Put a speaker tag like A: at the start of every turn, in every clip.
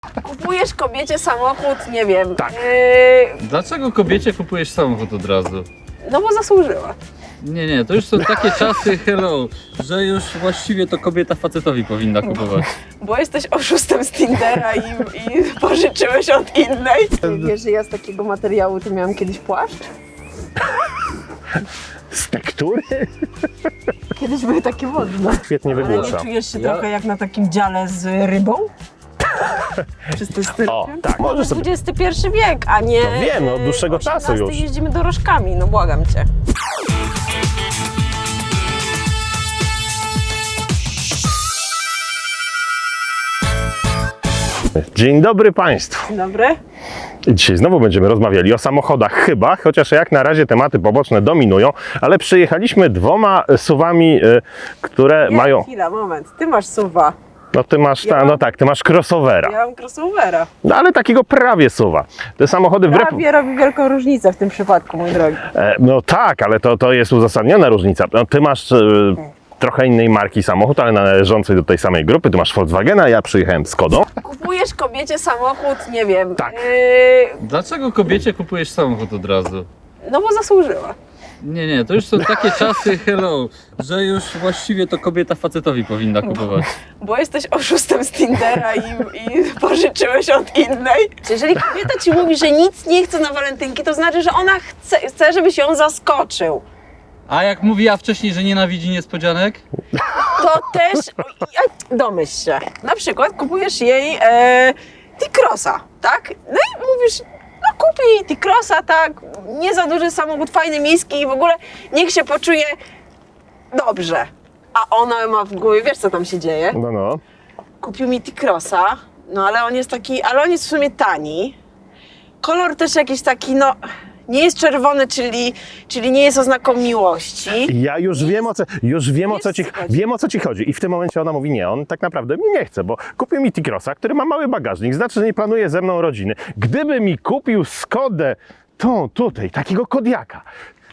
A: Kupujesz kobiecie samochód, nie wiem.
B: Tak.
C: Dlaczego kobiecie kupujesz samochód od razu?
A: No bo zasłużyła.
C: Nie, to już są takie czasy, hello, że już właściwie to kobieta facetowi powinna kupować.
A: Bo jesteś oszustem z Tindera i pożyczyłeś od innej. Wiesz, że ja z takiego materiału to miałam kiedyś płaszcz?
B: Z tektury?
A: Kiedyś były takie modne.
B: Świetnie
A: Ale nie
B: wygłusza.
A: czujesz się trochę jak na takim dziale z rybą? Czysty styl.
B: O, tak, możesz sobie.
A: XXI wiek, a nie.
B: No wiem, no, od dłuższego czasu
A: 18
B: już.
A: jeździmy dorożkami, no błagam cię.
B: Dzień dobry Państwu.
A: Dzień dobry.
B: Dzisiaj znowu będziemy rozmawiali o samochodach chyba, chociaż jak na razie tematy poboczne dominują, ale przyjechaliśmy dwoma SUV-ami, które
A: Nie,
B: mają...
A: chwila, moment. Ty masz SUV-a,
B: No ty masz,
A: Ja mam-
B: no tak, ty masz crossovera,
A: ja mam crossovera.
B: no ale takiego prawie SUV-a. Te samochody wbrew...
A: Prawie robi wielką różnicę w tym przypadku, mój drogi.
B: No tak, ale to jest uzasadniona różnica. No, ty masz trochę innej marki samochód, ale należącej do tej samej grupy. Ty masz Volkswagena, ja przyjechałem Skodą.
A: Kupujesz kobiecie samochód, nie wiem.
B: Tak.
C: Dlaczego kobiecie kupujesz samochód od razu?
A: No bo zasłużyła.
C: Nie, to już są takie czasy, hello, że już właściwie to kobieta facetowi powinna kupować.
A: Bo jesteś oszustem z Tindera i pożyczyłeś od innej. Jeżeli kobieta ci mówi, że nic nie chce na walentynki, to znaczy, że ona chce, żebyś ją zaskoczył.
C: A jak mówiła wcześniej, że nienawidzi niespodzianek?
A: To też domyśl się. Na przykład kupujesz jej T-Crossa, tak? No i mówisz, no kup jej T-Crossa, tak? Nie za duży samochód, fajny, miejski i w ogóle niech się poczuje dobrze. A ona ma w głowie, wiesz co tam się dzieje?
B: No.
A: Kupił mi T-Crossa, no ale on jest taki, ale on jest w sumie tani. Kolor też jakiś taki, no nie jest czerwony, czyli nie jest oznaką miłości.
B: Ja już wiem o co ci
A: chodzi.
B: wiem o co ci chodzi. I w tym momencie ona mówi, nie, on tak naprawdę mnie nie chce, bo kupił mi T-Crossa, który ma mały bagażnik, znaczy, że nie planuje ze mną rodziny. Gdyby mi kupił Skodę, tą tutaj, takiego Kodiaka,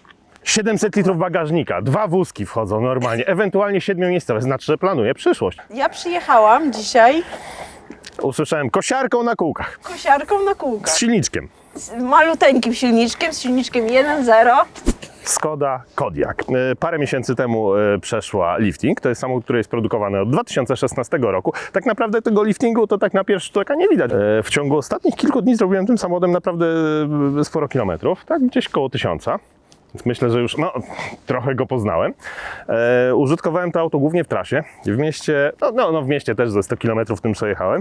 B: 700 litrów bagażnika, 2 wózki wchodzą normalnie, ewentualnie 7-miejscowe, znaczy, że planuje przyszłość.
A: Ja przyjechałam dzisiaj
B: Usłyszałem kosiarką na kółkach,
A: kosiarką na kółkach.
B: z silniczkiem.
A: Z maluteńkim silniczkiem, z silniczkiem 1.0.
B: Skoda Kodiaq. Parę miesięcy temu przeszła lifting. To jest samochód, który jest produkowany od 2016 roku. Tak naprawdę tego liftingu to tak na pierwszy rzut oka nie widać. W ciągu ostatnich kilku dni zrobiłem tym samochodem naprawdę sporo kilometrów, tak gdzieś koło 1000. Więc myślę, że już trochę go poznałem. Użytkowałem to auto głównie w trasie. W mieście, w mieście też ze 100 km tym przejechałem.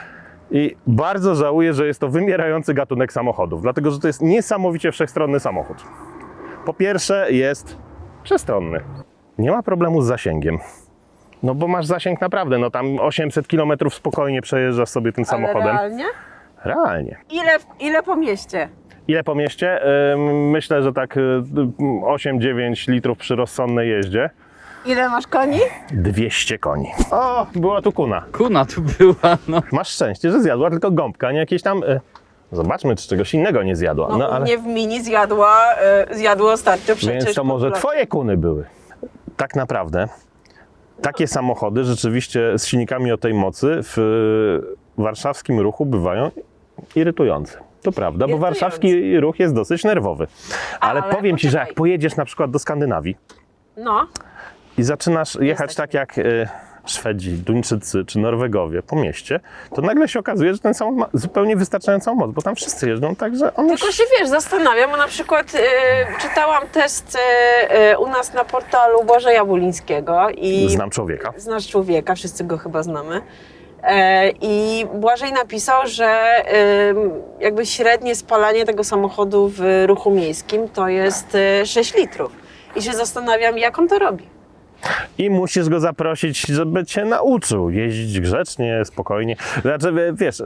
B: I bardzo żałuję, że jest to wymierający gatunek samochodów, dlatego że to jest niesamowicie wszechstronny samochód. Po pierwsze jest przestronny. Nie ma problemu z zasięgiem. No bo masz zasięg naprawdę, no tam 800 km spokojnie przejeżdżasz sobie tym samochodem.
A: Ale realnie?
B: Realnie.
A: Ile po mieście?
B: Ile po mieście? Myślę, że tak 8-9 litrów przy rozsądnej jeździe.
A: Ile masz koni?
B: 200 koni. O, była tu kuna.
C: Kuna tu była, no.
B: Masz szczęście, że zjadła tylko gąbka, a nie jakieś tam... Zobaczmy, czy czegoś innego nie zjadła.
A: No, u mnie w mini zjadło ostatnio przecież.
B: Więc to może
A: populacja.
B: twoje kuny były. Tak naprawdę takie samochody rzeczywiście z silnikami o tej mocy w warszawskim ruchu bywają irytujące. To prawda, bo
A: Irytujące.
B: warszawski ruch jest dosyć nerwowy. Ale powiem ci, że jak
A: poczekaj.
B: pojedziesz na przykład do Skandynawii
A: No,
B: i zaczynasz jechać
A: tak.
B: tak jak Szwedzi, Duńczycy czy Norwegowie po mieście, to nagle się okazuje, że ten samochód ma zupełnie wystarczającą moc, bo tam wszyscy jeżdżą tak, że on już...
A: tylko się wiesz, zastanawiam, bo na przykład czytałam test u nas na portalu Błażeja Bulińskiego i
B: Znam człowieka.
A: znasz człowieka, wszyscy go chyba znamy. I Błażej napisał, że jakby średnie spalanie tego samochodu w ruchu miejskim to jest 6 litrów. I się zastanawiam, jak on to robi.
B: I musisz go zaprosić, żeby cię nauczył jeździć grzecznie, spokojnie. Znaczy, wiesz,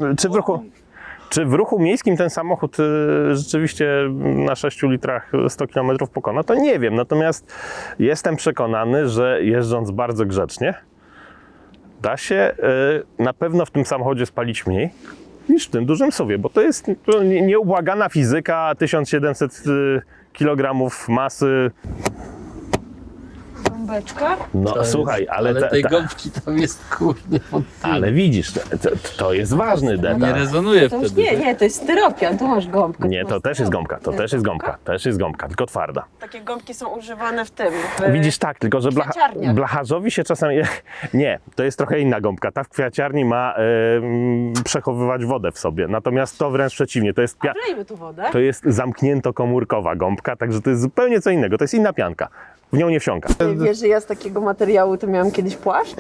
B: czy w ruchu miejskim ten samochód rzeczywiście na 6 litrach 100 km pokona, to nie wiem. Natomiast jestem przekonany, że jeżdżąc bardzo grzecznie, da się na pewno w tym samochodzie spalić mniej niż w tym dużym SUV-ie, bo to jest nieubłagana fizyka, 1700 kg masy.
A: gąbeczka.
B: No
C: To
B: słuchaj,
C: jest,
B: ale,
C: tej gąbki tam jest kurde pod tym.
B: ale widzisz, to jest ważny
C: Nie
B: detal.
C: rezonuje
A: To już
C: wtedy.
A: nie, to jest styropian, tu masz gąbkę.
B: Nie,
A: tu
B: to
A: masz
B: też jest
A: styropian.
B: gąbka, to też jest gąbka, też jest gąbka, tylko twarda.
A: Takie gąbki są używane w tym. W...
B: Widzisz, tak, tylko że
A: kwiaciarniach.
B: blacharzowi się czasami... Nie, to jest trochę inna gąbka. Ta w kwiaciarni ma przechowywać wodę w sobie, natomiast to wręcz przeciwnie, to jest,
A: A wlejmy tu wodę.
B: to jest zamknięto-komórkowa gąbka, także to jest zupełnie co innego, to jest inna pianka. W nią nie wsiąka.
A: Wiesz, że ja z takiego materiału to miałam kiedyś płaszcz?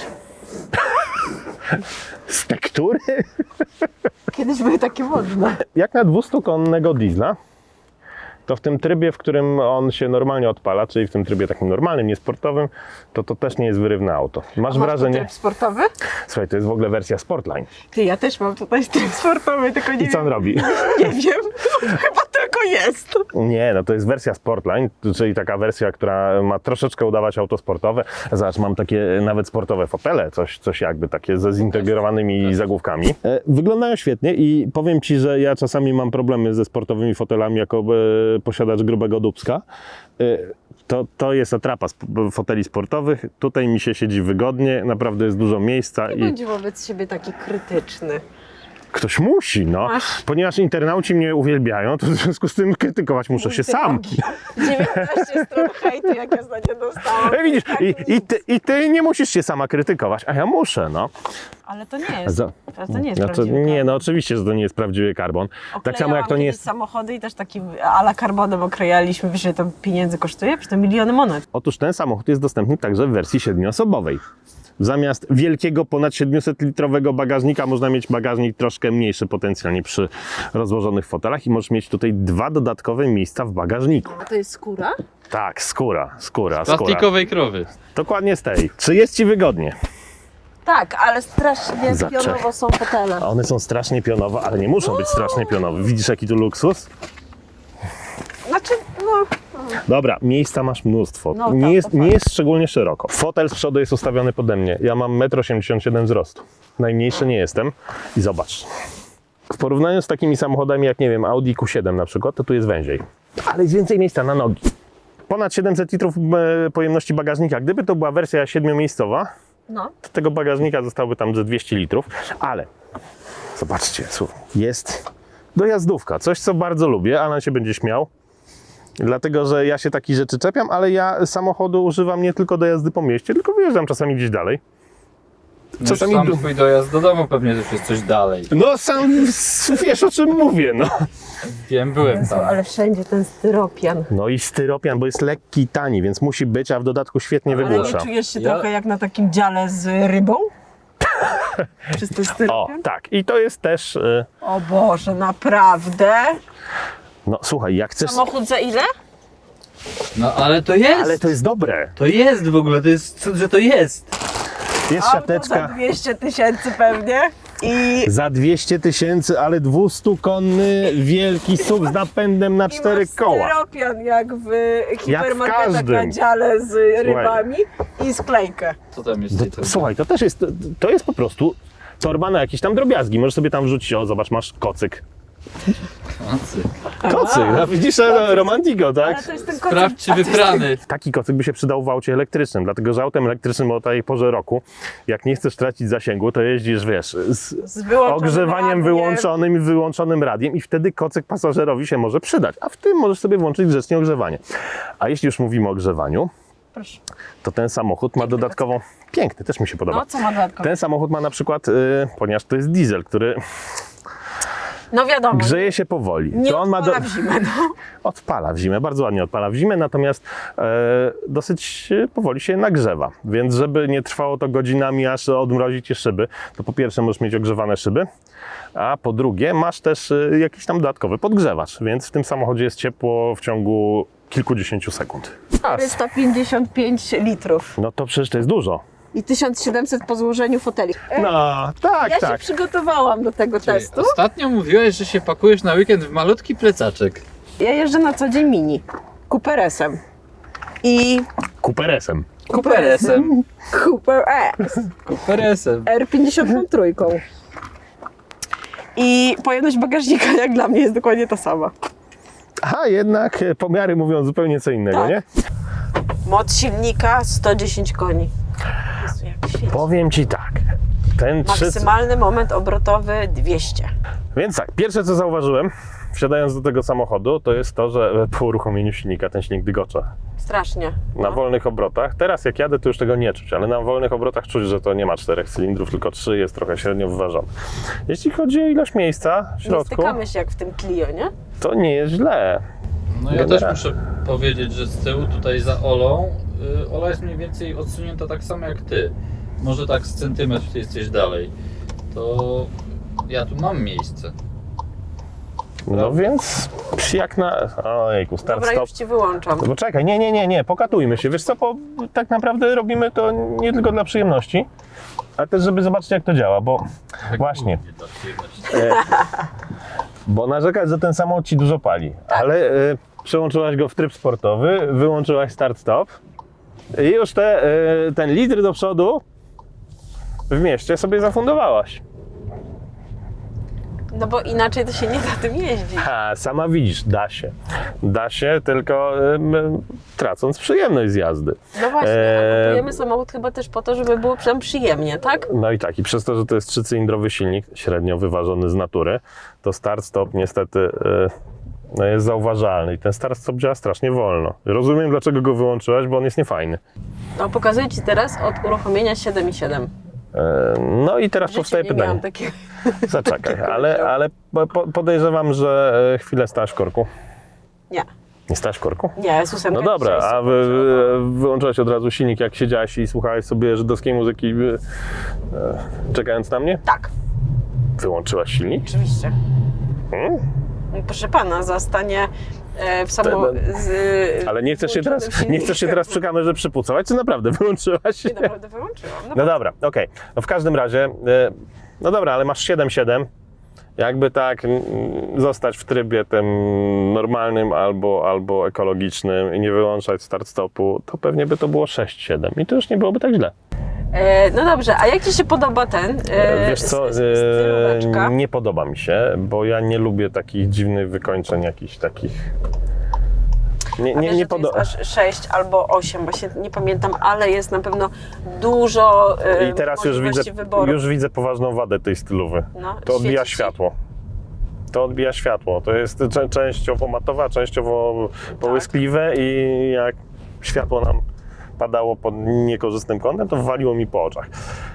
B: Z tektury?
A: Kiedyś były takie modne.
B: Jak na 200-konnego diesla, to w tym trybie, w którym on się normalnie odpala, czyli w tym trybie takim normalnym, niesportowym, to też nie jest wyrywne auto. Masz
A: Masz
B: wrażenie...
A: tryb sportowy?
B: Słuchaj, to jest w ogóle wersja Sportline.
A: Ty, ja też mam tutaj tryb sportowy, tylko nie
B: I co on
A: wiem.
B: robi?
A: Nie wiem, chyba tylko jest.
B: Nie, no to jest wersja Sportline, czyli taka wersja, która ma troszeczkę udawać auto sportowe. Zobacz, mam takie nawet sportowe fotele, coś jakby takie ze zintegrowanymi zagłówkami. Wyglądają świetnie i powiem Ci, że ja czasami mam problemy ze sportowymi fotelami jako posiadacz grubego dubska. To jest atrapa foteli sportowych. Tutaj mi się siedzi wygodnie, naprawdę jest dużo miejsca.
A: Nie bądź wobec siebie taki krytyczny.
B: Ktoś musi, no.
A: Masz.
B: Ponieważ internauci mnie uwielbiają, to w związku z tym krytykować muszę się sam.
A: 19 stron hejtu, jak ja za nie dostałam.
B: Widzisz,
A: Tak,
B: i ty nie musisz się sama krytykować, a ja muszę, no.
A: Ale to nie jest. To nie jest
B: Znaczy,
A: prawdziwy
B: nie,
A: karbon.
B: no oczywiście, że to nie jest prawdziwy karbon. Tak samo jak to nie
A: Oklejałam
B: jest...
A: samochody i też takim a la karbonem oklejaliśmy. Wiesz, ile to pieniędzy kosztuje? Przecież to miliony monet.
B: Otóż ten samochód jest dostępny także w wersji 7-osobowej. Zamiast wielkiego, ponad 700-litrowego bagażnika można mieć bagażnik troszkę mniejszy potencjalnie przy rozłożonych fotelach i możesz mieć tutaj 2 dodatkowe miejsca w bagażniku.
A: A to jest skóra?
B: Tak, skóra.
C: Plastikowej krowy.
B: Dokładnie z tej. Czy jest Ci wygodnie?
A: Tak, ale strasznie
B: Zaczekaj.
A: pionowo są fotele.
B: A one są strasznie pionowe, ale nie muszą być strasznie pionowe. Widzisz, jaki tu luksus?
A: Znaczy, no...
B: Dobra, miejsca masz mnóstwo.
A: No tak,
B: nie, jest,
A: to
B: nie
A: fakt.
B: jest szczególnie szeroko. Fotel z przodu jest ustawiony pode mnie. Ja mam 1,87 m wzrostu. Najmniejszy nie jestem. I zobacz. W porównaniu z takimi samochodami jak, nie wiem, Audi Q7 na przykład, to tu jest węziej. Ale jest więcej miejsca na nogi. Ponad 700 litrów pojemności bagażnika. Gdyby to była wersja 7-miejscowa,
A: No.
B: to tego bagażnika zostałoby tam ze 200 litrów. Ale zobaczcie, jest dojazdówka. Coś, co bardzo lubię. Alan się będzie śmiał. Dlatego, że ja się takich rzeczy czepiam, ale ja samochodu używam nie tylko do jazdy po mieście, tylko wyjeżdżam czasami gdzieś dalej.
C: Czasami sam twój dojazd do domu pewnie też jest coś dalej.
B: No sam wiesz, o czym mówię, no.
C: Wiem, byłem tam.
A: Ale wszędzie ten styropian.
B: No i styropian, bo jest lekki i tani, więc musi być, a w dodatku świetnie
A: Ale nie
B: wygłusza.
A: czujesz się
C: Ja-
A: trochę jak na takim dziale z rybą? Przez ten
B: O,
A: styropian?
B: tak. I to jest też...
A: O Boże, naprawdę?
B: No słuchaj, jak chcesz...
A: Samochód za ile?
C: No ale to jest!
B: Ale to jest dobre.
C: To jest w ogóle, to jest cud, że to jest.
B: Jest
A: Auto za
B: siateczka
A: 200 000 pewnie. I
B: za 200 000, ale 200-konny wielki SUV z napędem na 4 koła.
A: styropian jak w hipermarketach
B: każdym.
A: na dziale z rybami i sklejkę.
C: Co tam jest? w tej torbie?
B: Słuchaj, to też jest, to jest po prostu torba na jakieś tam drobiazgi. Możesz sobie tam wrzucić, o zobacz, masz kocyk.
C: Kocyk.
B: Kocyk, no widzisz, romantico, tak?
A: Ale to jest ten
C: Sprawdź, czy wyprany.
B: Taki kocyk by się przydał w aucie elektrycznym, dlatego że autem elektrycznym o tej porze roku, jak nie chcesz tracić zasięgu, to jeździsz, wiesz, z
A: wyłączonym
B: ogrzewaniem
A: radiem.
B: wyłączonym i wyłączonym radiem i wtedy kocyk pasażerowi się może przydać, a w tym możesz sobie włączyć grzecznie ogrzewanie. A jeśli już mówimy o grzewaniu,
A: Proszę.
B: to ten samochód ma dodatkową... Piękny, też mi się podoba.
A: No, co ma dodatkowo?
B: Ten samochód ma na przykład, ponieważ to jest diesel, który
A: No wiadomo.
B: grzeje się powoli,
A: Nie
B: to on ma
A: odpala w zimę, no.
B: odpala w zimę, bardzo ładnie odpala w zimę, natomiast dosyć powoli się nagrzewa. Więc żeby nie trwało to godzinami, aż odmrozi ci szyby, to po pierwsze możesz mieć ogrzewane szyby, a po drugie masz też jakiś tam dodatkowy podgrzewacz, więc w tym samochodzie jest ciepło w ciągu kilkudziesięciu sekund.
A: 455 litrów
B: No to przecież to jest dużo.
A: i 1700 po złożeniu foteli.
B: No, tak,
A: Ja się
B: tak.
A: przygotowałam do tego
C: Czyli
A: testu.
C: ostatnio mówiłeś, że się pakujesz na weekend w malutki plecaczek.
A: Ja jeżdżę na co dzień mini. Cooperesem. I
B: Kuperesem.
C: Kuperesem.
A: Cooper S.
C: Kuperesem.
A: R53. I pojemność bagażnika jak dla mnie jest dokładnie ta sama.
B: A jednak pomiary mówią zupełnie co innego,
A: Tak.
B: nie?
A: Moc silnika 110 koni. Jezu, jak świeci.
B: Powiem Ci tak, ten
A: Maksymalny moment obrotowy 200.
B: Więc tak, pierwsze co zauważyłem, wsiadając do tego samochodu, to jest to, że po uruchomieniu silnika ten silnik dygocze.
A: Strasznie.
B: Na wolnych obrotach. Teraz jak jadę, to już tego nie czuć, ale na wolnych obrotach czuć, że to nie ma 4 cylindrów, tylko 3, jest trochę średnio wyważony. Jeśli chodzi o ilość miejsca w
A: Nie
B: środku,
A: stykamy się jak w tym Clio, nie?
B: to nie jest źle.
C: No ja też
B: Generalnie.
C: muszę powiedzieć, że z tyłu tutaj za Olą, Ola jest mniej więcej odsunięta tak samo jak ty. Może tak z centymetr ty jesteś dalej. To ja tu mam miejsce.
B: No więc jak na... Ojejku, start,
A: Dobra,
B: stop.
A: już ci wyłączam.
B: No czekaj, nie, pokatujmy się. Wiesz co, tak naprawdę robimy to nie tylko dla przyjemności, ale też żeby zobaczyć jak to działa, bo
C: Tak
B: właśnie,
C: mówię dla przyjemności.
B: bo narzekać, że ten samochód Ci dużo pali, ale przełączyłaś go w tryb sportowy, wyłączyłaś start-stop i już ten litr do przodu w mieście sobie zafundowałaś.
A: No bo inaczej to się nie da tym jeździć.
B: A, sama widzisz, da się. Da się, tylko tracąc przyjemność z jazdy.
A: No właśnie, a kupujemy samochód chyba też po to, żeby było przynajmniej przyjemnie, tak?
B: No i tak, i przez to, że to jest 3-cylindrowy silnik, średnio wyważony z natury, to start-stop niestety no jest zauważalny i ten start-stop działa strasznie wolno. Rozumiem, dlaczego go wyłączyłaś, bo on jest niefajny.
A: No pokazuję ci teraz od uruchomienia 7,7.
B: No i teraz
A: W życiu
B: powstaje
A: nie
B: pytanie.
A: miałam takiego.
B: Zaczekaj, ale podejrzewam, że chwilę stałaś w korku.
A: Nie,
B: Nie stałaś w korku?
A: nie, z 8.
B: No dobra, a wyłączyłaś od razu silnik, jak siedziałaś i słuchałaś sobie żydowskiej muzyki, czekając na mnie?
A: Tak,
B: Wyłączyłaś silnik?
A: oczywiście.
B: Hmm?
A: Proszę pana, zastanie w samochodzie.
B: Ale nie chcesz się teraz przy kamerze przypucować, czy naprawdę wyłączyłaś?
A: Nie, naprawdę wyłączyłam.
B: No dobra, okej. No w każdym razie, no dobra, ale masz 7.7. Jakby tak zostać w trybie tym normalnym albo ekologicznym i nie wyłączać start-stopu, to pewnie by to było 6.7 i to już nie byłoby tak źle.
A: No dobrze, a jak ci się podoba ten?
B: Wiesz co,
A: stylóweczka?
B: nie podoba mi się, bo ja nie lubię takich dziwnych wykończeń, jakichś takich... Nie podoba.
A: Aż 6 albo 8, właśnie nie pamiętam, ale jest na pewno dużo
B: I teraz
A: możliwości wyboru.
B: już widzę poważną wadę tej stylowy.
A: No,
B: To odbija
A: świeci ci?
B: światło. To odbija światło. To jest częściowo matowe, a częściowo połyskliwe i jak światło nam padało pod niekorzystnym kątem, to waliło mi po oczach.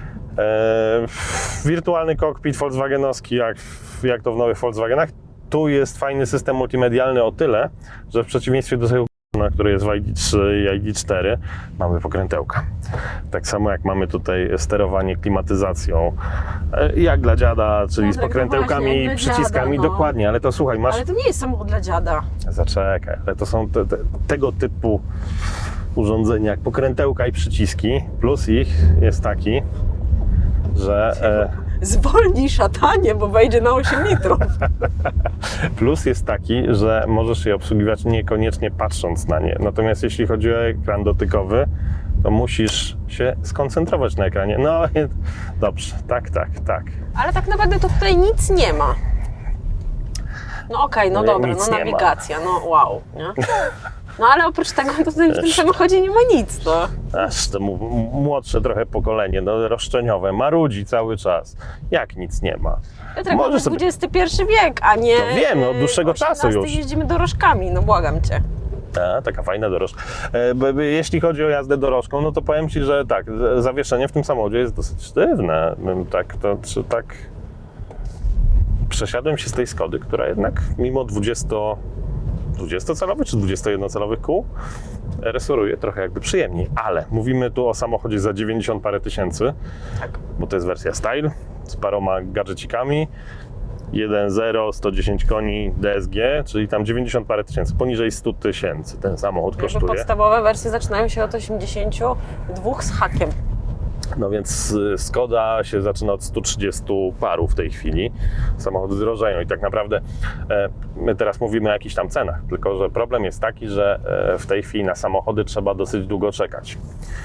B: Wirtualny kokpit volkswagenowski, jak to w nowych Volkswagenach. Tu jest fajny system multimedialny o tyle, że w przeciwieństwie do tego, który jest w ID3 i ID4, mamy pokrętełka. Tak samo jak mamy tutaj sterowanie klimatyzacją, jak dla dziada, czyli
A: No
B: z
A: tak,
B: pokrętełkami
A: właśnie,
B: i
A: jak dla
B: przyciskami,
A: dziada, no.
B: dokładnie, ale to słuchaj, masz...
A: Ale to nie jest samochód dla dziada.
B: Zaczekaj, ale to są tego typu urządzenia jak pokrętełka i przyciski, plus ich jest taki, że...
A: Zwolnij szatanie, bo wejdzie na 8 litrów.
B: Plus jest taki, że możesz je obsługiwać niekoniecznie patrząc na nie. Natomiast jeśli chodzi o ekran dotykowy, to musisz się skoncentrować na ekranie. No dobrze, tak.
A: Ale tak naprawdę to tutaj nic nie ma. No okej, no
B: No,
A: dobra,
B: nic
A: no
B: nie ma.
A: nawigacja, no wow, nie? No ale oprócz tego to tutaj w tym samochodzie nie ma nic, no.
B: Aż to młodsze trochę pokolenie, no roszczeniowe, marudzi cały czas. Jak nic nie ma.
A: Piotrek,
B: Możesz
A: mamy
B: sobie-
A: XXI wiek, a nie...
B: No wiem, no, od dłuższego czasu
A: 18
B: już.
A: jeździmy dorożkami, no błagam cię.
B: Taka fajna dorożka. Jeśli chodzi o jazdę dorożką, no to powiem Ci, że tak, zawieszenie w tym samochodzie jest dosyć sztywne. Tak przesiadłem się z tej Skody, która jednak mimo 20-calowych czy 21-calowych kół resoruje trochę jakby przyjemniej, ale mówimy tu o samochodzie za 90 parę tysięcy,
A: Tak.
B: bo to jest wersja Style z paroma gadżecikami. 1.0, 110 koni DSG, czyli tam 90 parę tysięcy, poniżej 100 tysięcy ten samochód
A: Jakby
B: kosztuje.
A: podstawowe wersje zaczynają się od 82 z hakiem.
B: No więc Skoda się zaczyna od 130 paru w tej chwili. Samochody drożeją i tak naprawdę my teraz mówimy o jakichś tam cenach, tylko że problem jest taki, że w tej chwili na samochody trzeba dosyć długo czekać.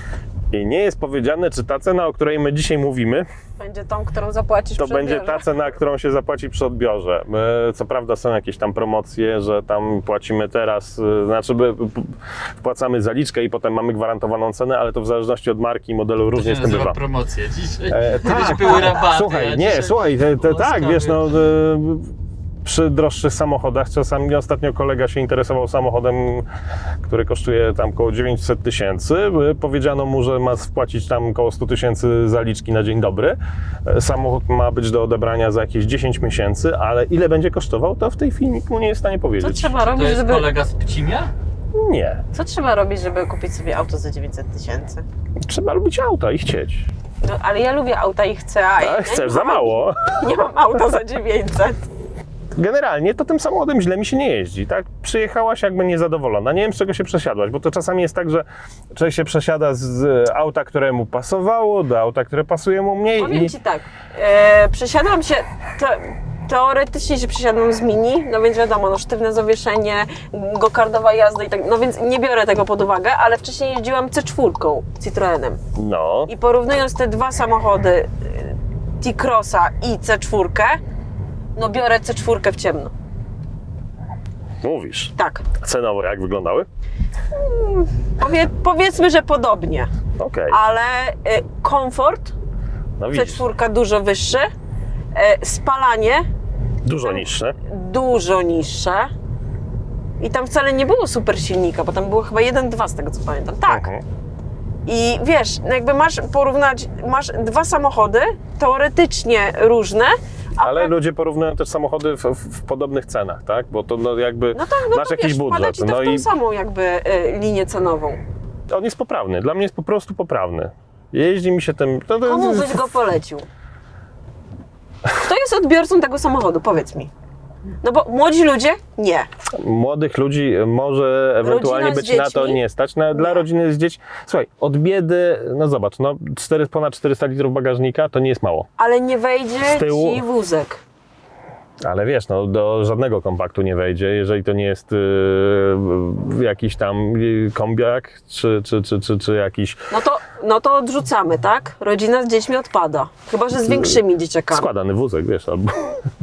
B: I nie jest powiedziane, czy ta cena, o której my dzisiaj mówimy,
A: Będzie tą, którą zapłacisz
B: to
A: przy
B: będzie
A: odbiorze.
B: ta cena, którą się zapłaci przy odbiorze. Co prawda są jakieś tam promocje, że tam płacimy teraz, znaczy wpłacamy zaliczkę i potem mamy gwarantowaną cenę, ale to w zależności od marki i modelu różnie z tym bywa.
C: promocje dzisiaj.
B: Tak,
C: Kiedyś były rabaty.
B: Słuchaj,
C: a
B: nie,
C: dzisiaj
B: słuchaj, tak,
C: łaskawie.
B: wiesz, no przy droższych samochodach, czasami ostatnio kolega się interesował samochodem, który kosztuje tam około 900 tysięcy. Powiedziano mu, że ma wpłacić tam około 100 tysięcy zaliczki na dzień dobry. Samochód ma być do odebrania za jakieś 10 miesięcy, ale ile będzie kosztował, to w tej chwili nikt mu nie jest w stanie
A: Co
B: powiedzieć.
A: trzeba
C: To
A: robić,
C: jest
A: żeby...
C: kolega z Pcimia?
B: Nie.
A: Co trzeba robić, żeby kupić sobie auto za 900 tysięcy?
B: Trzeba lubić auta i chcieć.
A: No, ale ja lubię auta i chcę, a ja
B: Ale
A: nie
B: chcesz za
A: mam-
B: mało.
A: Nie mam auta za 900.
B: Generalnie to tym samochodem źle mi się nie jeździ, tak? Przyjechałaś jakby niezadowolona, nie wiem z czego się przesiadłaś, bo to czasami jest tak, że człowiek się przesiada z auta, które mu pasowało, do auta, które pasuje mu mniej
A: Powiem
B: i...
A: Ci tak, przesiadłam się, teoretycznie się przesiadłam z Mini, no więc wiadomo, no sztywne zawieszenie, gokardowa jazda i tak, no więc nie biorę tego pod uwagę, ale wcześniej jeździłam C4 Citroenem
B: No,
A: i porównując te dwa samochody, T-Crossa i C4, no biorę C4 w ciemno.
B: mówisz.
A: Tak,
B: Cenowo jak wyglądały?
A: powiedzmy, że podobnie,
B: Okej,
A: ale komfort
B: no widzisz,
A: C4 dużo wyższy, spalanie
B: dużo niższe.
A: dużo niższe i tam wcale nie było super silnika, bo tam było chyba 1.2 z tego co pamiętam. Tak.
B: Mhm.
A: I wiesz, no jakby masz porównać, masz dwa samochody teoretycznie różne, a
B: Ale
A: pra-
B: ludzie porównują też samochody w podobnych cenach, tak? Bo to no jakby
A: no tak, no
B: masz
A: to
B: jakiś
A: wiesz, wpada
B: budżet,
A: ci to
B: no
A: w tą
B: i
A: samą jakby linię cenową.
B: on jest poprawny. Dla mnie jest po prostu poprawny. Jeździ mi się tym...
A: Komu byś go polecił? Kto jest odbiorcą tego samochodu? Powiedz mi. No bo młodzi ludzie? Nie.
B: Młodych ludzi może ewentualnie
A: Rodzina z
B: być na to
A: dziećmi?
B: nie stać. Dla
A: Nie.
B: rodziny z dziećmi... Słuchaj, od biedy, no zobacz, no ponad 400 litrów bagażnika to nie jest mało.
A: Ale nie wejdzie
B: Z tyłu-
A: ci wózek.
B: Ale wiesz, no do żadnego kompaktu nie wejdzie, jeżeli to nie jest jakiś tam kombiak, czy jakiś
A: No to odrzucamy, tak? Rodzina z dziećmi odpada. Chyba, że z większymi dzieciakami.
B: składany wózek, wiesz, albo...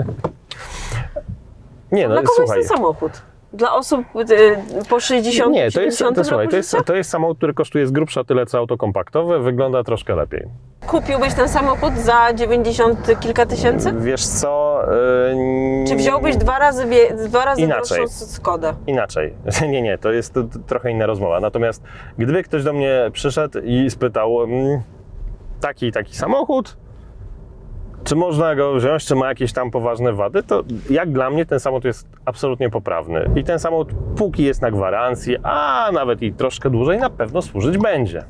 B: Nie, no
A: Dla kogo
B: słuchaj.
A: jest ten samochód? Dla osób po 60,
B: Nie, to jest,
A: 70
B: słuchaj,
A: roku życia?
B: to jest samochód, który kosztuje z grubsza tyle co auto kompaktowe, wygląda troszkę lepiej.
A: Kupiłbyś ten samochód za 90 kilka tysięcy?
B: Wiesz co?
A: Czy wziąłbyś dwa razy
B: Inaczej.
A: droższą Skodę?
B: Inaczej. Nie, to jest trochę inna rozmowa. Natomiast gdyby ktoś do mnie przyszedł i spytał taki i taki samochód, czy można go wziąć, czy ma jakieś tam poważne wady, to jak dla mnie ten samochód jest absolutnie poprawny. I ten samochód póki jest na gwarancji, a nawet i troszkę dłużej, na pewno służyć będzie.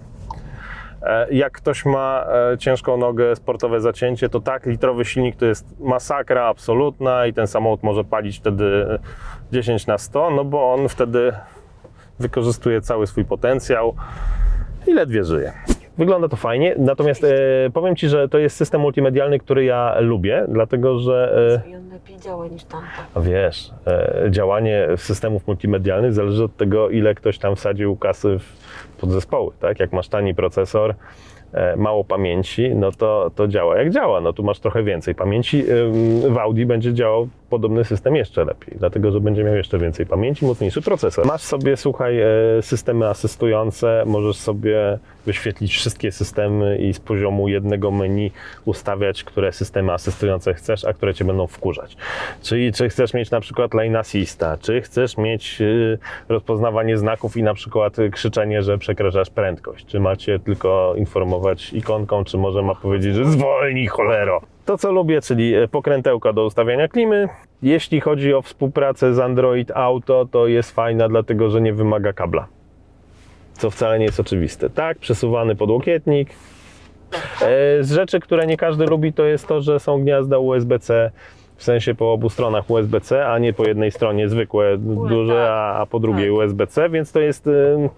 B: Jak ktoś ma ciężką nogę, sportowe zacięcie, to tak, litrowy silnik to jest masakra absolutna i ten samochód może palić wtedy 10 na 100, no bo on wtedy wykorzystuje cały swój potencjał i ledwie żyje. Wygląda to fajnie, natomiast powiem Ci, że to jest system multimedialny, który ja lubię, dlatego że
A: I on lepiej działa niż tamto.
B: wiesz, działanie systemów multimedialnych zależy od tego, ile ktoś tam wsadził kasy w podzespoły, tak? Jak masz tani procesor, mało pamięci, no to działa jak działa. No tu masz trochę więcej pamięci. W Audi będzie działał podobny system jeszcze lepiej, dlatego że będzie miał jeszcze więcej pamięci, mocniejszy procesor. Masz sobie, słuchaj, systemy asystujące, możesz sobie wyświetlić wszystkie systemy i z poziomu jednego menu ustawiać, które systemy asystujące chcesz, a które Cię będą wkurzać. Czyli czy chcesz mieć na przykład lane assista, czy chcesz mieć rozpoznawanie znaków i na przykład krzyczenie, że przekraczasz prędkość, czy macie tylko informować ikonką, czy może ma powiedzieć, że zwolnij, cholero. To co lubię, czyli pokrętełka do ustawiania klimy. Jeśli chodzi o współpracę z Android Auto, to jest fajna, dlatego że nie wymaga kabla. Co wcale nie jest oczywiste. Tak, przesuwany podłokietnik. Z rzeczy, które nie każdy lubi, to jest to, że są gniazda USB-C, w sensie po obu stronach USB-C, a nie po jednej stronie zwykłe, duże, a po drugiej
A: Tak.
B: USB-C, więc to jest...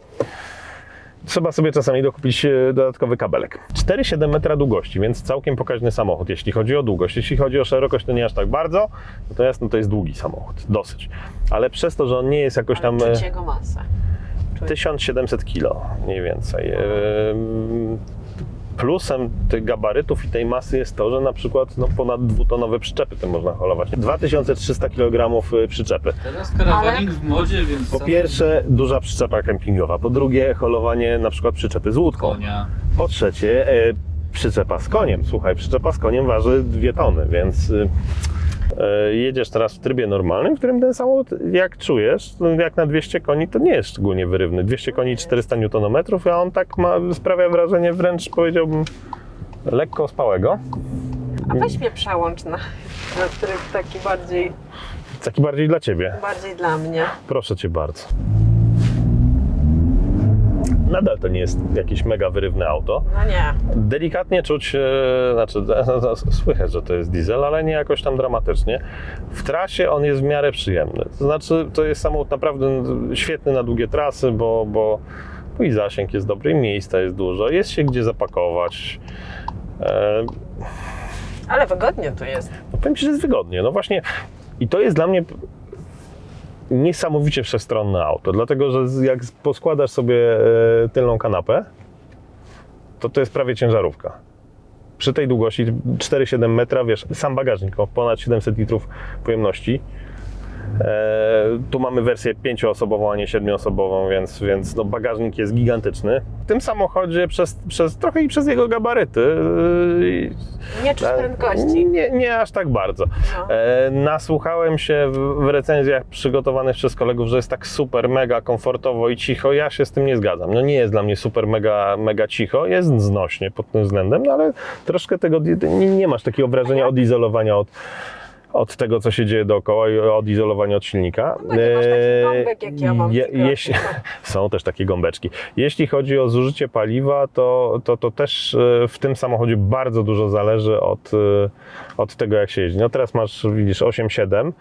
B: Trzeba sobie czasami dokupić dodatkowy kabelek. 4,7 metra długości, więc całkiem pokaźny samochód, jeśli chodzi o długość. Jeśli chodzi o szerokość, to nie aż tak bardzo, natomiast no to jest długi samochód, dosyć. Ale przez to, że on nie jest jakoś tam...
A: Ale czuć jego masę. czuję.
B: 1700 kg mniej więcej. Plusem tych gabarytów i tej masy jest to, że na przykład ponad 2-tonowe przyczepy tym można holować. 2300 kg przyczepy.
C: Teraz karawaning w modzie, więc...
B: Po pierwsze, duża przyczepa kempingowa. Po drugie, holowanie na przykład przyczepy z łódką.
C: Konia.
B: Po trzecie, przyczepa z koniem. Słuchaj, przyczepa z koniem waży 2 tony, więc jedziesz teraz w trybie normalnym, w którym ten samochód, jak czujesz, jak na 200 koni, to nie jest szczególnie wyrywny. 200 koni, 400 Nm, a on tak sprawia wrażenie wręcz, powiedziałbym, lekko ospałego.
A: A weź mnie przełącz na tryb
B: Taki bardziej dla Ciebie.
A: bardziej dla mnie.
B: Proszę Cię bardzo. Nadal to nie jest jakieś mega wyrywne auto.
A: No nie.
B: Delikatnie czuć, słychać, że to jest diesel, ale nie jakoś tam dramatycznie. W trasie on jest w miarę przyjemny. To znaczy, to jest samochód naprawdę świetny na długie trasy, bo i zasięg jest dobry, i miejsca jest dużo, jest się gdzie zapakować.
A: Ale wygodnie tu jest.
B: No powiem Ci, że jest wygodnie. No właśnie, i to jest dla mnie niesamowicie wszechstronne auto, dlatego że jak poskładasz sobie tylną kanapę, to jest prawie ciężarówka. Przy tej długości 4,7 metra, wiesz, sam bagażnik o ponad 700 litrów pojemności. Tu mamy wersję 5-osobową, a nie 7-osobową, więc no bagażnik jest gigantyczny. W tym samochodzie trochę i przez jego gabaryty
A: Nie czuć prędkości.
B: nie aż tak bardzo.
A: No.
B: Nasłuchałem się w recenzjach przygotowanych przez kolegów, że jest tak super, mega komfortowo i cicho. Ja się z tym nie zgadzam. No nie jest dla mnie super, mega cicho. Jest znośnie pod tym względem, no ale troszkę tego nie masz takiego wrażenia odizolowania od tego, co się dzieje dookoła i odizolowania od silnika.
A: No nie masz taki gąbek, jak ja mam.
B: Są też takie gąbeczki. Jeśli chodzi o zużycie paliwa, to też w tym samochodzie bardzo dużo zależy od tego, jak się jeździ. No teraz masz, widzisz, 8,7.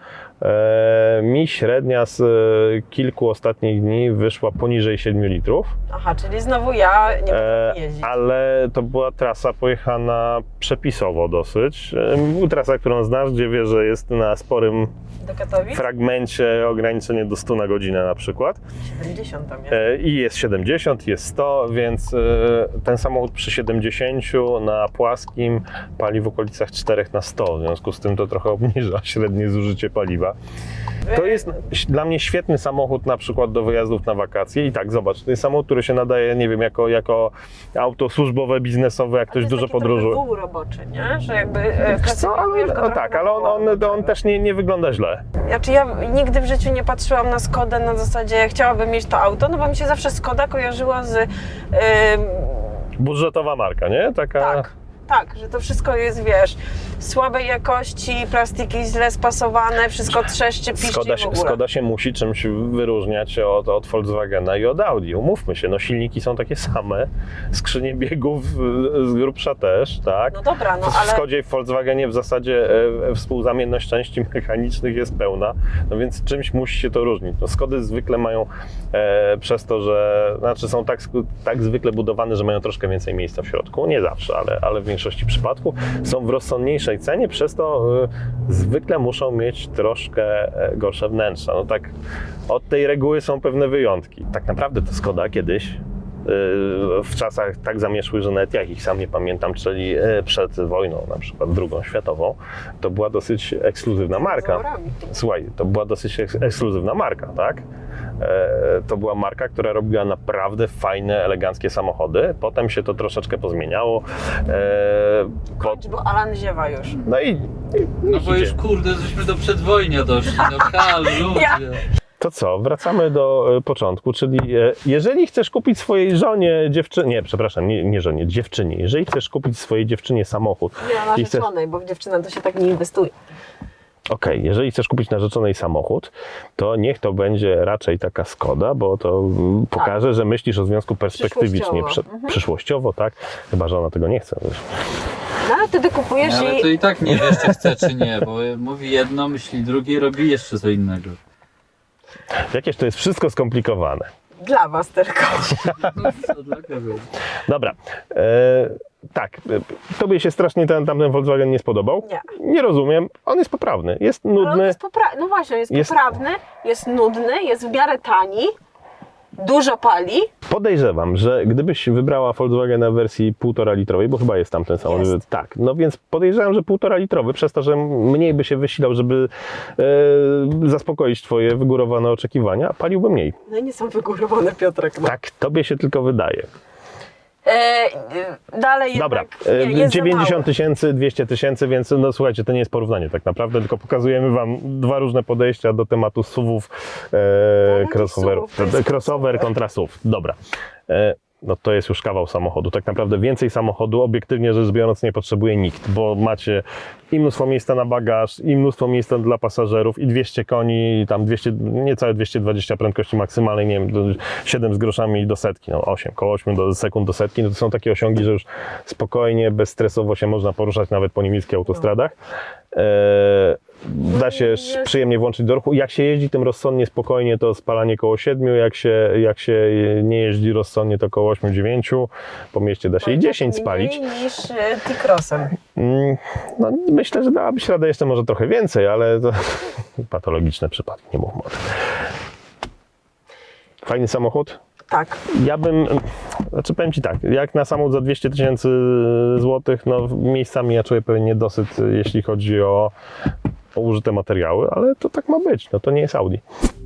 B: Mi średnia z kilku ostatnich dni wyszła poniżej 7 litrów.
A: Aha, czyli znowu ja nie mogę jeździć.
B: Ale to była trasa pojechana przepisowo dosyć. Trasa, którą znasz, gdzie wiesz, że jest na sporym
A: Do Katowic?
B: fragmencie ograniczenie do 100 na godzinę na przykład.
A: 70 tam jest.
B: I jest 70, jest 100, więc ten samochód przy 70 na płaskim pali w okolicach 4 na 100. W związku z tym to trochę obniża średnie zużycie paliwa. To jest dla mnie świetny samochód na przykład do wyjazdów na wakacje. I tak, zobacz, to jest samochód, który się nadaje, nie wiem, jako auto służbowe, biznesowe, jak ktoś dużo podróżuje.
A: To jest taki roboczy, nie? Że jakby
B: Co, ale, tak, ale on też nie wygląda źle.
A: Znaczy ja nigdy w życiu nie patrzyłam na Skodę na zasadzie chciałabym mieć to auto, no bo mi się zawsze Skoda kojarzyła z...
B: Budżetowa marka, nie? Taka...
A: Tak, że to wszystko jest, wiesz, słabej jakości, plastiki źle spasowane, wszystko trzeszczy, piszczy w ogóle.
B: Skoda się musi czymś wyróżniać od Volkswagena i od Audi. Umówmy się, no silniki są takie same, skrzynie biegów z grubsza też, tak?
A: No dobra, no
B: W
A: ale...
B: Skodzie i w Volkswagenie w zasadzie współzamienność części mechanicznych jest pełna, no więc czymś musi się to różnić. No Skody zwykle mają przez to, że są tak zwykle budowane, że mają troszkę więcej miejsca w środku. Nie zawsze, ale w większości przypadków są w rozsądniejszej cenie, przez to zwykle muszą mieć troszkę gorsze wnętrza. No tak, od tej reguły są pewne wyjątki. Tak naprawdę to Skoda kiedyś w czasach tak zamieszłych, że nawet ja ich sam nie pamiętam, czyli przed wojną, na przykład II światową, to była dosyć ekskluzywna marka. Słuchaj, to była dosyć ekskluzywna marka, tak? To była marka, która robiła naprawdę fajne, eleganckie samochody. Potem się to troszeczkę pozmieniało.
A: Bo Alan ziewa już.
C: No bo już kurde, żeśmy do przedwojnia doszli, no hal, ludzie.
B: To co, wracamy do początku, czyli jeżeli chcesz kupić swojej żonie, dziewczynie, jeżeli chcesz kupić swojej dziewczynie samochód...
A: Nie, narzeczonej, bo w dziewczynę to się tak nie inwestuje.
B: Okej, jeżeli chcesz kupić narzeczonej samochód, to niech to będzie raczej taka Skoda, bo to pokaże, że myślisz o związku perspektywicznie, przyszłościowo, tak? Chyba że ona tego nie chce. Wiesz.
A: No ale wtedy kupujesz
C: Ale to i tak nie wiesz, czy chce, czy nie, bo mówi jedno, myśli drugie, robi jeszcze co innego.
B: Jakież to jest wszystko skomplikowane.
A: Dla was tylko.
C: Co dla kogo?
B: Dobra. Tak, tobie się strasznie tamten Volkswagen nie spodobał?
A: Nie.
B: Nie rozumiem. On jest poprawny, jest nudny.
A: No właśnie, jest poprawny, jest nudny, jest w miarę tani. dużo pali.
B: Podejrzewam, że gdybyś wybrała Volkswagena w wersji 1,5 litrowej, bo chyba jest tam ten samochód.
A: Jest.
B: Tak, no więc podejrzewam, że 1,5 litrowy, przez to, że mniej by się wysilał, żeby zaspokoić twoje wygórowane oczekiwania, paliłby mniej.
A: No i nie są wygórowane, Piotrek. No.
B: Tak, tobie się tylko wydaje.
A: Dalej
B: Dobra,
A: jednak jest
B: 90 tysięcy, 200 tysięcy, więc no słuchajcie, to nie jest porównanie tak naprawdę, tylko pokazujemy wam dwa różne podejścia do tematu SUV-ów, crossoverów.
A: SUV-ów, to jest
B: Crossover kontra SUV. Dobra. No to jest już kawał samochodu. Tak naprawdę więcej samochodu, obiektywnie rzecz biorąc, nie potrzebuje nikt, bo macie i mnóstwo miejsca na bagaż, i mnóstwo miejsca dla pasażerów, i 200 koni, i tam 200, niecałe 220 prędkości maksymalnej, nie wiem, 7 z groszami do setki, no 8, koło 8 sekund do setki, no to są takie osiągi, że już spokojnie, bezstresowo się można poruszać nawet po niemieckich autostradach. Da się przyjemnie włączyć do ruchu. Jak się jeździ tym rozsądnie, spokojnie, to spalanie koło 7, jak się nie jeździ rozsądnie, to koło 8-9. Po mieście da się i 10 spalić.
A: Mniej niż T-Crossem.
B: No, myślę, że dałabyś radę jeszcze może trochę więcej, ale to patologiczne przypadki, nie mówmy o tym. Fajny samochód.
A: Tak.
B: Ja bym, znaczy powiem Ci tak, jak na samochód za 200 tysięcy złotych, no miejscami ja czuję pewien niedosyt, jeśli chodzi o użyte materiały, ale to tak ma być, no to nie jest Audi.